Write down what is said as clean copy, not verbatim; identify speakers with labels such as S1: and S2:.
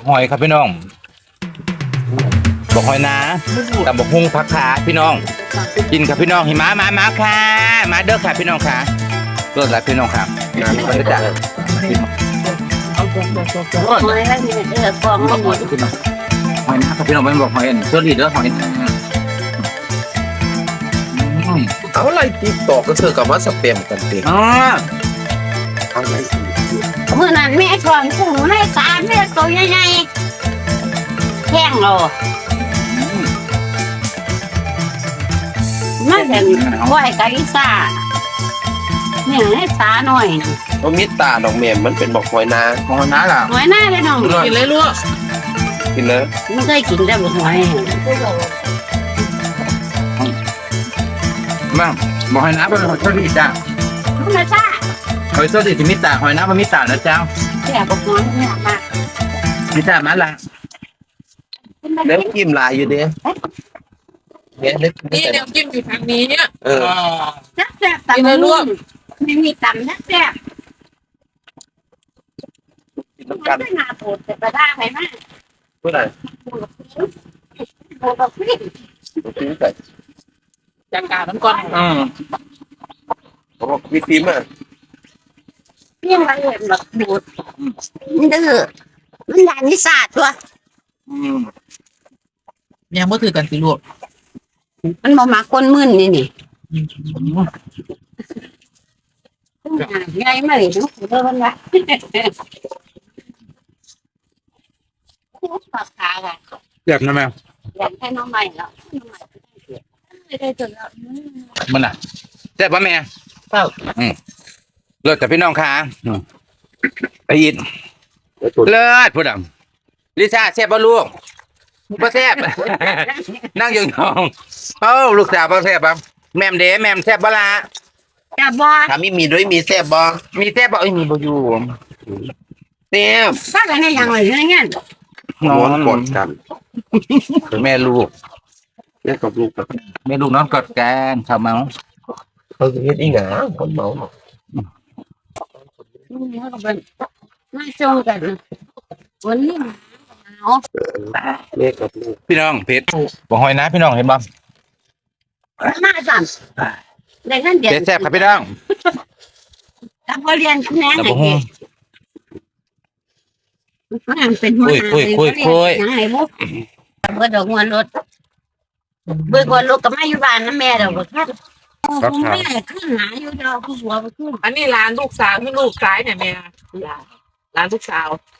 S1: หอยครับพี่น้องบอกหอยนะกับบอกฮุ้งผักขาพี่น้องกินครับพี่น้องหิมะมาค่ะมาเด้อค่ะพี่น้องค่ะรสอะไรพี่น้องค่ะมาเด้อจ้ะ
S2: หอยแล้วนี่กองไม่หมด
S1: หอยนะครับพี่น้องเป็นบอกหอยอันเชอรี่เด้อหอย
S3: เอาอะไรติ๊กตอกก็เธอกับว่าสเปมกันเต็ม
S1: อ๋อ
S3: อะไร
S2: เมื่อนั้นแม่ก่อนกุ้งให้สารแม่ตัวใหญ่ๆแห้งเรามาแต่ไหวกะลิซ่าเนี่ยให้สาหน่อย
S3: ว่ามิตาดอกเมมมันเป็นบอกหอยนา
S1: หอยนะล่ะ
S2: หอยหน้าเลยน้อง
S3: กินเลยลูกกินเลย
S2: ไม่เคยกินได้บ่หอย
S1: มาบอกหอยนะเป็นหอยเชอรี่จ้ะ
S2: ธรรมชาติ
S1: หอยเชอรี่ที่มิตาหอยนะมันมิตานะเจ้า
S2: แซ่บบ่หอยเนี่ยมาก
S1: มิตามาละ
S3: เล็บจิ้มลายอยู่ดิเนี่ยเล็บ
S4: นี่แนวจิ้มอยู่ทางนี้เนี่ย
S2: แซ่บๆตำไม่มีตำแซ่บ
S3: กิน
S2: ๆ
S3: น้ำ
S2: มั
S3: กัน
S2: นไม่น่าปวดแต่กระด้างไหมมาก
S3: เพื่ออะไร
S2: ปวดแบบนี้
S3: กินไก่
S4: จากการน้ำก้อน
S3: บอกมีฟิล์มอ่ะ
S2: เพี้ยงละเอียดแบบดูดมันดื้อมันยานิสาตัว
S4: ยังไม่ถือกันสิลูก
S2: มันบ่มาคนมึนนี่ไงมาเลยน้องเดินละปากขาอ่ะ
S1: เจ็บนะแม่
S2: อยากให้น้องใหม่แล้วไม่ได้จนแล้ว
S1: มันอ่ะเจ็บปะแม่เลิศแต่พี่น้องค่ะไปยินเลิศพูดอ่ะลิซ่าแซ่บปะลูกปะแซ่บนั่งยองๆเอ้าลูกสาวปะแซ่บปะแม่มเด้แม่มแซ่บปะละ
S2: จะบอ
S3: ถามมีด้วยมีแซ่บบอ
S1: มีแซ่บปะมีบ่อยู่
S3: แซ่บ
S2: ถ้าจะให้ยังไงเนี่ย
S3: นอนกดกัน
S1: แม่ลูก
S3: แม่กับลูกกับ
S1: แม่ลูกนอนกอดกันข้าวเมา
S3: เขาจะเฮ็ดอีหงาคนเมา
S2: มาจงกันวันนี้หนาว
S3: แม่กับลูก
S1: พี่น้องเพชรบ่หอยนะพี่น้องเห็นบ่
S2: มาสั่นได้เงินเดือน
S1: เพชรแซ่บครับพี่น้อง
S2: กับพอเรียนกับแม่
S1: แล้ว
S2: ไง
S1: บ่ฮู้
S2: มันเป็นหัวหน้ายังไงบุ๊กเบิดดอกหัวรถเบิดหัวรถกับแม่อยู่บ้านนะแม่เดี๋ยวบ่ทันคุณแม่ขึ้นหาอยู่ดอกผู้หัวไปขึ้น
S4: อันนี้ร้านลูกสาวที่ลูกซ้ายเนี่ยแม่ร้านลูกสาว